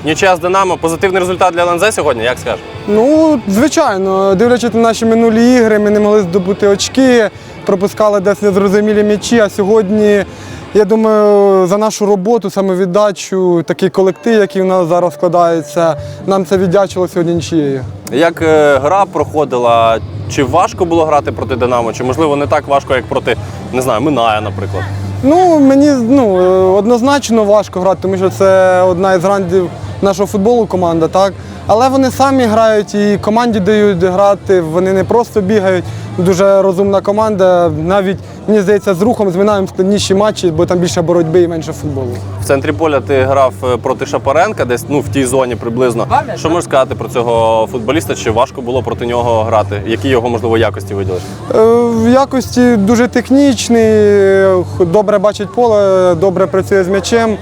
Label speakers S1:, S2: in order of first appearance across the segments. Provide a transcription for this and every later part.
S1: Нічия з Динамо. Позитивний результат для ЛНЗ сьогодні, як скажеш?
S2: Ну, звичайно, дивлячись на наші минулі ігри, ми не могли здобути очки, пропускали десь незрозумілі м'ячі, а сьогодні, я думаю, за нашу роботу, самовіддачу, такий колектив, який у нас зараз складається, нам це віддячило сьогодні нічиєю.
S1: Як гра проходила? Чи важко було грати проти Динамо? Чи, можливо, не так важко, як проти, не знаю, Миная, наприклад?
S2: Ну, мені однозначно важко грати, тому що це одна із грандів нашого футболу команда, так? Але вони самі грають і команді дають грати, вони не просто бігають. Дуже розумна команда. Навіть, мені здається, з Рухом, з Минаєм складніші матчі, бо там більше боротьби і менше футболу.
S1: В центрі поля ти грав проти Шапаренка, десь в тій зоні приблизно. Що можеш сказати про цього футболіста? Чи важко було проти нього грати? Які його, можливо, якості виділиш?
S2: В якості дуже технічний, добре бачить поле, добре працює з м'ячем.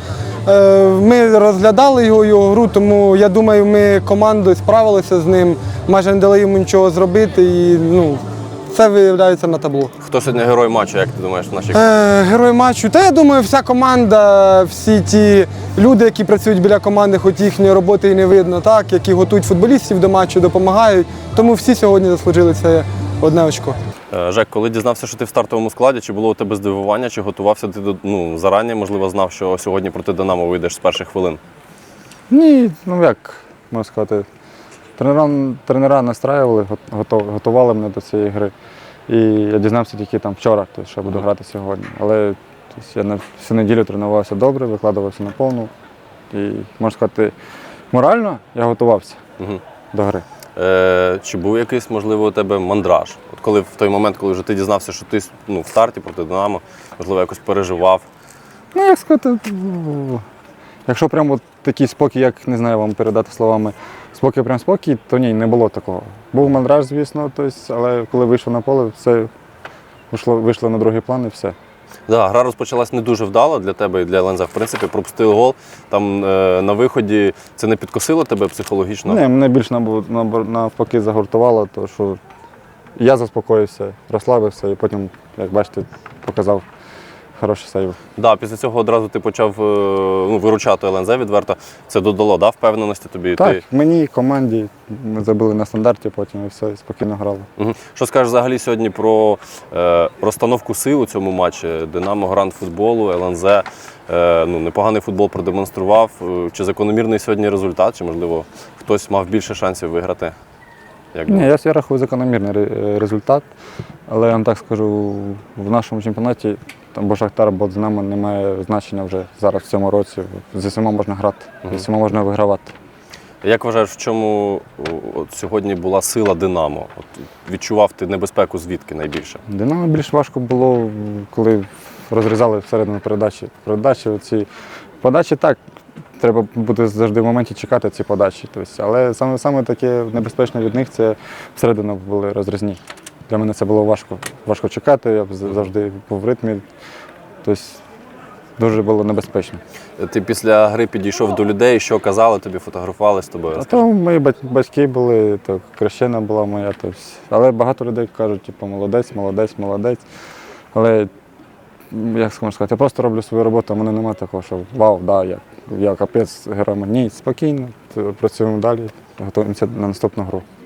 S2: Ми розглядали його гру, тому я думаю, ми командою справилися з ним, майже не дали йому нічого зробити. І, це виявляється на табло.
S1: Хто сьогодні герой матчу, як ти думаєш, в нашій?
S2: Герой матчу. Та я думаю, вся команда, всі ті люди, які працюють біля команди, хоч їхньої роботи і не видно, так, які готують футболістів до матчу, допомагають. Тому всі сьогодні заслужили це одне очко.
S1: Жек, коли дізнався, що ти в стартовому складі, чи було у тебе здивування, чи готувався ти зарані, можливо, знав, що сьогодні проти Динамо вийдеш з перших хвилин?
S3: Ні, як можна сказати, тренера настраювали, готували мене до цієї гри. І я дізнався тільки там вчора, що буду грати сьогодні. Але я на всю неділю тренувався добре, викладувався на повну. І, можна сказати, морально я готувався до гри.
S1: Чи був якийсь, можливо, у тебе мандраж? От коли в той момент, коли вже ти дізнався, що ти в старті проти Динамо, можливо, якось переживав?
S3: Як сказати, якщо прямо такий спокій, як не знаю вам передати словами, спокій, то ні, не було такого. Був мандраж, звісно, але коли вийшов на поле, все вийшло на другий план і все.
S1: Так, гра розпочалась не дуже вдало для тебе і для ЛНЗ. В принципі, пропустили гол. Там на виході це не підкосило тебе психологічно?
S3: Ні, мене більше навпаки загуртувало, тому що я заспокоївся, розслабився і потім, як бачите, показав хороший сейв.
S1: Так, після цього одразу ти почав виручати ЛНЗ відверто. Це додало впевненості тобі?
S3: Так, мені, команді, ми забили на стандарті потім і все, і спокійно грали.
S1: Що скажеш взагалі сьогодні про розстановку сил у цьому матчі? Динамо, гранд футболу, ЛНЗ, непоганий футбол продемонстрував. Чи закономірний сьогодні результат, чи, можливо, хтось мав більше шансів виграти?
S3: Ні, я рахую закономірний результат, але я вам так скажу, в нашому чемпіонаті або Шахтар, або Динамо не має значення вже зараз в цьому році. Зі всіма можна грати, зі всіма можна вигравати.
S1: Як вважаєш, в чому сьогодні була сила Динамо? Відчував ти небезпеку звідки найбільше?
S3: Динамо більш важко було, коли розрізали всередину передачі. Подачі так, треба буде завжди в моменті чекати ці подачі. Але саме таке небезпечне від них – це всередину були розрізні. Для мене це було важко чекати, я завжди був в ритмі. Дуже було небезпечно.
S1: Ти після гри підійшов до людей, що казали тобі, фотографували з тобою?
S3: То мої батьки були, то крещена була моя. Але багато людей кажуть, молодець. Але, як можна сказати, я просто роблю свою роботу, а в мене немає такого, що вау, я капець герой. Ні, спокійно, працюємо далі, готуємося на наступну гру.